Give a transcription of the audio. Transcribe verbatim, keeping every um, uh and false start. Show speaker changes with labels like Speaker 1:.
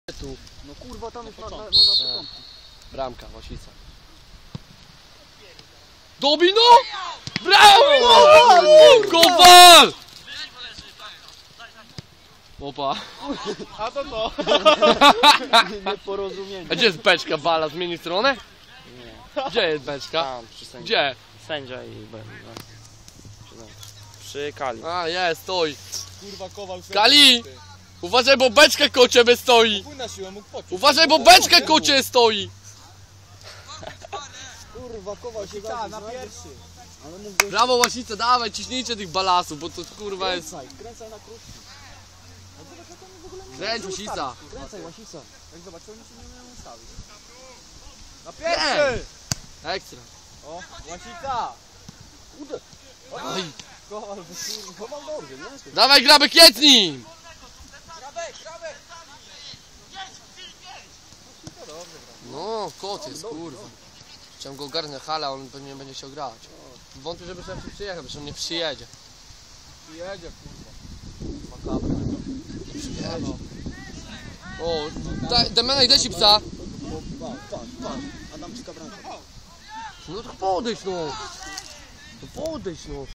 Speaker 1: Tu.
Speaker 2: No kurwa, tam jest na, na, na, na początku.
Speaker 1: Bramka, Łasica. Domino! Brawo! Kowal! Opa.
Speaker 2: A to to. Nieporozumienie.
Speaker 1: A gdzie jest beczka? Bala zmieni stronę?
Speaker 3: Nie.
Speaker 1: Gdzie jest beczka?
Speaker 3: Tam, przy sędzi.
Speaker 1: Gdzie?
Speaker 3: Sędzia i ben, no. Przy, tam. Przy Kali.
Speaker 1: A, jest, stoi.
Speaker 2: Kurwa, Kowal.
Speaker 1: Kali! Uważaj, bo beczka koło ciebie stoi!
Speaker 2: Pójdź na siłę, mógł poczuć.
Speaker 1: Uważaj, bo beczka koło ciebie stoi!
Speaker 2: Kurwa, Kowal się da na pierwszy. Ale mógł go...
Speaker 1: Brawo, Łasica, dawaj, ciśnijcie tych balasów, bo to kurwa jest...
Speaker 2: Kręcaj, kręcaj na krótki. A zobacz, jak oni w ogóle nie
Speaker 1: Kręć,
Speaker 2: umieją
Speaker 1: Łasica.
Speaker 2: ustawić. Kręcaj, Łasica. Jak zobacz, oni się nie umieją ustawić. Na pierwszy!
Speaker 1: Ekstra.
Speaker 2: O, Łasica! Ude!
Speaker 1: Oj.
Speaker 2: Kowal, Kowal dobrze, nie?
Speaker 1: Dawaj, Grabek, jedz nim!
Speaker 2: Grabek, grabek!
Speaker 1: No, kot jest, kurwa. Chciałem go ogarnąć na halę, a on pewnie będzie chciał grać. Wątpię, żeby sobie przyjechał, bo on nie przyjedzie.
Speaker 2: Przyjedzie, kurwa. Makabry.
Speaker 1: Nie przyjedzie. O, daj, Damianek, daj ci psa.
Speaker 2: Patrz, patrz, patrz. Adamczyka bramka.
Speaker 1: No to podejdź, no. No podejdź, no.